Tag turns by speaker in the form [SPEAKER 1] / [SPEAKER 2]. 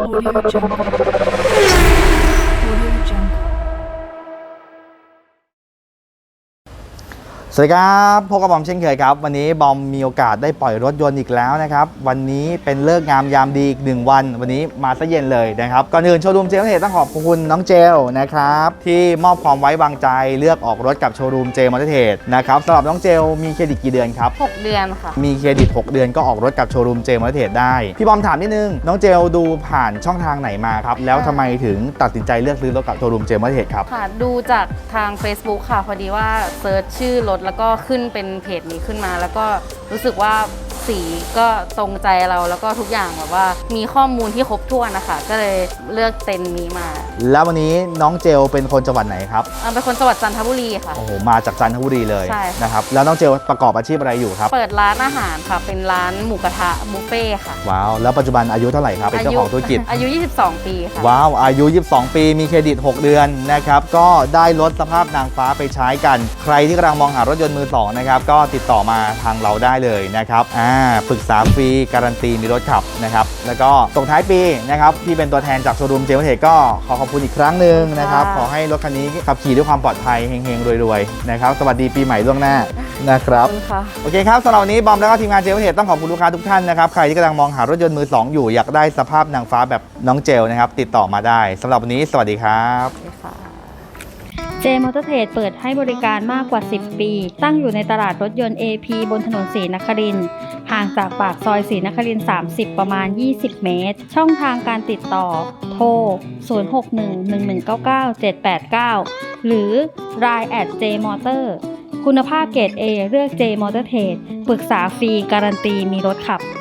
[SPEAKER 1] Audio Jungle. Audio Jungle.
[SPEAKER 2] สวัสดีครับพบกับบอมเช่นเคยครับวันนี้บอมมีโอกาสได้ปล่อยรถยนต์อีกแล้วนะครับวันนี้เป็นเลิกษ์งามยามดีอีก1วันวันนี้มาซะเย็นเลยนะครับก่อนอื่นโชว์รูมเจมส์เทต้องขอบคุณน้องเจลนะครับที่มอบความไว้วางใจเลือกออกรถกับโชว์รูมเจมส์เทสนะครับสำหรับน้องเจลมีเครดิตกี่เดือนครับ
[SPEAKER 3] 6 เดือนค่ะ
[SPEAKER 2] มีเครดิต6 เดือนก็ออกรถกับโชว์รูมเจมส์เทสได้พี่บอมถามนิดนึงน้องเจลดูผ่านช่องทางไหนมาครับแล้วทำไมถึงตัดสินใจเลือกซื้อรถกับโชว์รูมเจมส์เทสครับ
[SPEAKER 3] ค่ะ ดูจากทาง Facebook ค่ะ พอดีว่าเซิร์ชชื่อรถแล้วก็ขึ้นเป็นเพจนี้ขึ้นมา แล้วก็รู้สึกว่าสีก็ตรงใจเราแล้วก็ทุกอย่างแบบว่ามีข้อมูลที่ครบถ้วนนะคะก็เลยเลือกเต็นท์นี้มา
[SPEAKER 2] แล้ววันนี้น้องเจลเป็นคนจังหวัดไหนครับ
[SPEAKER 3] เป็นคนจังหวัดจันทบุรีค่ะ
[SPEAKER 2] โอ้โหมาจากจันทบุรีเลย
[SPEAKER 3] ใช่
[SPEAKER 2] นะครับแล้วน้องเจลประกอบอาชีพอะไรอยู่ครับ
[SPEAKER 3] เปิดร้านอาหารค่ะเป็นร้านหมูกระทะบุฟเฟ่ค่ะ
[SPEAKER 2] ว้าวแล้วปัจจุบันอายุเท่าไหร่ครับเป็นเจ้าของธุรกิจ
[SPEAKER 3] อายุ22 ปีค่ะ
[SPEAKER 2] ว้าวอายุ22 ปีมีเครดิต6 เดือนนะครับก็ได้รถสภาพนางฟ้าไปใช้กันใครที่กำลังมองหารถยนต์มือสองนะครับก็ติดต่อมาทางเราได้เลยนะครับปรึกษาฟรีการันตีมีรถขับนะครับแล้วก็ส่งท้ายปีนะครับที่เป็นตัวแทนจากโชว์รูมเจมส์เทสก็ขอขอบคุณอีกครั้งหนึ่งนะครับขอให้รถคันนี้ขับขี่ด้วยความปลอดภัยเฮงๆรวยๆนะครับสวัสดีปีใหม่ล่วงหน้านะครับโอเคครับสำหรับวันนี้บอมแล้วก็ทีมงานเจมส์เทสต้องขอบคุณลูกค้าทุกท่านนะครับใครที่กำลังมองหารถยนต์มือสองอยู่อยากได้สภาพนางฟ้าแบบน้องเจลนะครับติดต่อมาได้สำหรับวันนี้สวัสดีครับ
[SPEAKER 4] เจมอเตอร์เทรดเปิดให้บริการมากกว่า 10 ปี ตั้งอยู่ในตลาดรถยนต์ AP บนถนนศรีนครินทร์ห่างจากปากซอยศรีนครินทร์30 ประมาณ 20 เมตร ช่องทางการติดต่อ โทร 0611997789 หรือ Line @jmotor คุณภาพเกรด A เลือก J Motor Trade ปรึกษาฟรีการันตีมีรถขับ